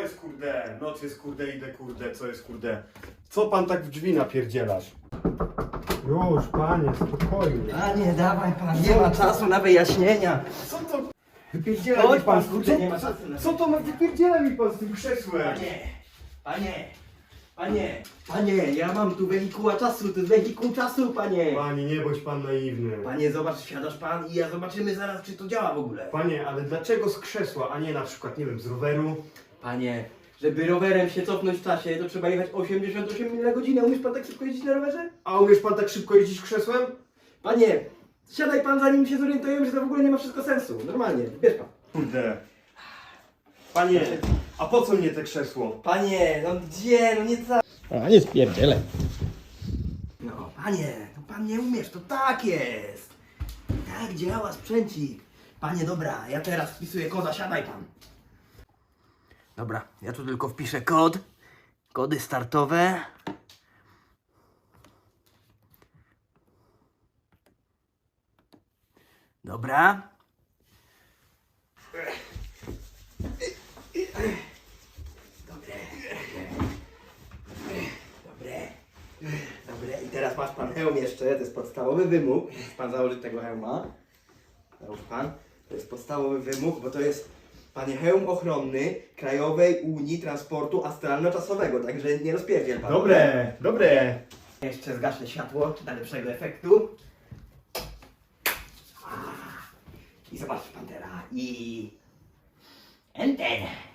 jest kurde? Noc jest kurde, idę kurde, co jest kurde? Co pan tak w drzwi napierdzielasz? Już, panie, spokojnie. Panie, dawaj pan, nie ma czasu na wyjaśnienia. Co to? Wypierdziela Chodź mi pan, pan, kurde, nie ma czasu na co to ma? Wypierdziela mi pan z tym krzesłem. Panie, ja mam tu wehikuła czasu, to jest wehikuł czasu, panie. Panie, nie bądź pan naiwny. Panie, zobacz, wsiadasz pan i ja zobaczymy zaraz, czy to działa w ogóle. Panie, ale dlaczego z krzesła, a nie na przykład, nie wiem, z roweru? Panie, żeby rowerem się cofnąć w czasie, to trzeba jechać 88 mil na godzinę. Umiesz pan tak szybko jeździć na rowerze? A umiesz pan tak szybko jeździć krzesłem? Panie, siadaj pan, zanim się zorientujemy, że to w ogóle nie ma wszystko sensu. Normalnie, bierz pan. Kurde. Panie, a po co mnie te krzesło? Panie, no gdzie, no nie tak. A nie spierdzielę. No, panie, no pan nie umiesz, to tak jest. Tak działa sprzęcik. Panie, dobra, ja teraz wpisuję koda, siadaj pan. Dobra, ja tu tylko wpiszę kod. Kody startowe. Dobra. Dobre. I teraz masz pan hełm jeszcze, to jest podstawowy wymóg. Musi pan założyć tego hełma. Załóż pan. To jest podstawowy wymóg, bo to jest, panie, hełm ochronny Krajowej Unii Transportu Astralno-Czasowego, także nie rozpierdziel pan. Dobre. Jeszcze zgaszę światło dla lepszego efektu. I zobacz pan teraz. I... Enter.